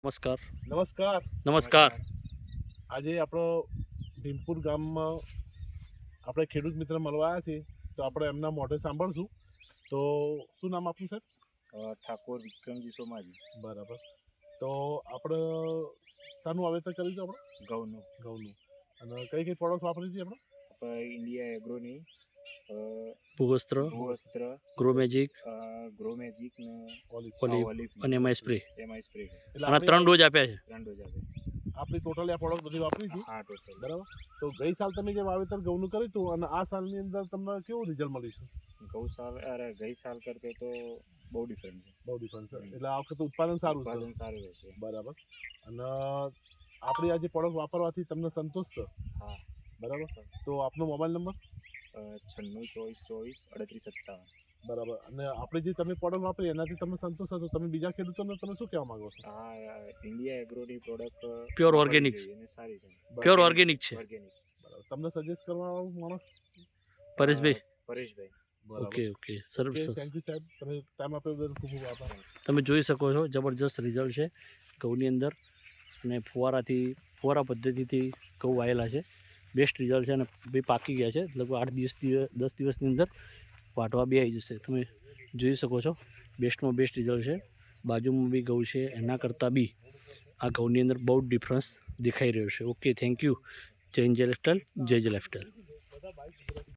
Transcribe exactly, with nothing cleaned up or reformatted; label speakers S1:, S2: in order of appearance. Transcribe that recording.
S1: નમસ્કાર
S2: નમસ્કાર
S1: નમસ્કાર
S2: આજે આપણો ભીમપુર ગામમાં આપણે ખેડૂત મિત્ર મળવા આવ્યા છીએ તો આપણે એમના મોઢે સાંભળશું તો શું નામ આપનું સર?
S3: ઠાકોર વિક્રમજી સોમાજી.
S2: બરાબર. તો આપણે શાનું વાવેતર કર્યું છે? આપણે
S3: ઘઉંનું
S2: ઘઉંનું. અને કઈ કઈ પ્રોડક્ટ વાપરી છે આપણે?
S3: આપણે ઇન્ડિયા એગ્રોની
S1: ભૂવસ્ત્ર
S3: ભૂવસ્ત્ર,
S1: ગ્રો મેજિક
S3: ગ્રો મેજિક ને
S2: ઓલિવ.
S1: ઓલિવ
S3: ઓલિવ
S1: અને એમાં સ્પ્રે
S3: એમાં સ્પ્રે
S2: એટલે
S1: આના ત્રણ ડોઝ આપ્યા છે.
S3: ત્રણ ડોઝ આપે.
S2: આપણી ટોટલી આ પ્રોડક્ટ બધી વાપરી છે.
S3: હા ટોટલ.
S2: બરાબર. તો ગઈ સાલ તમે જે વાવેતર ઘઉંનું કર્યું હતું અને આ સાલની અંદર તમને કેવું રિઝલ્ટ મળ્યું છે?
S3: ગૌ સાલ અરે ગઈ સાલ કરતે તો બહુ ડિફરન્ટ છે.
S2: બહુ ડિફરન્સ છે. એટલે આ વખતે ઉત્પાદન સારું છે.
S3: ઉત્પાદન સારું રહેશે.
S2: બરાબર. અને આપણી આ જે પ્રોડક્ટ વાપરવાથી તમને સંતોષ છે?
S3: હા.
S2: બરાબર. તો આપનો મોબાઈલ નંબર?
S3: છન્નું ચોવીસ ચોવીસ અડત્રીસ સત્તાવન.
S2: બરાબર. અને આપણે જે તમે પ્રોડક્ટ વાપરી એનાથી તમને સંતોષ હતો, તમે બીજા ખેડૂતોને તમે શું કહેવા માંગો છો?
S3: હા ઇન્ડિયા એગ્રોની પ્રોડક્ટ
S1: Pure organic.
S3: અને સારી છે.
S1: પ્યોર ઓર્ગેનિક છે.
S3: ઓર્ગેનિક.
S2: બરાબર. તમને સજેસ્ટ કરવા માણસ?
S1: પરેશભાઈ
S3: પરેશભાઈ.
S1: ઓકે ઓકે સરસ સરસ.
S2: થેન્ક યુ સાહેબ, તમે ટાઈમ આપ્યો બદલ ખૂબ ખૂબ આભાર.
S1: તમે જોઈ શકો છો જબરજસ્ત રિઝલ્ટ છે ઘઉંની અંદર અને ફુવારાથી ફુવારા પદ્ધતિથી ઘઉં વાયેલા છે. બેસ્ટ રિઝલ્ટ છે અને બી પાકી ગયા છે. લગભગ આઠ દિવસથી દસ દિવસની અંદર વાટવા બી આવી જશે. તમે જોઈ શકો છો બેસ્ટમાં બેસ્ટ રિઝલ્ટ છે. બાજુમાં બી ઘઉં છે, એના કરતાં બી આ ઘઉંની અંદર બહુ જ ડિફરન્સ દેખાઈ રહ્યો છે. Okay thank you. Jai Jai lifestyle, જય જય લાઇફસ્ટાઈલ.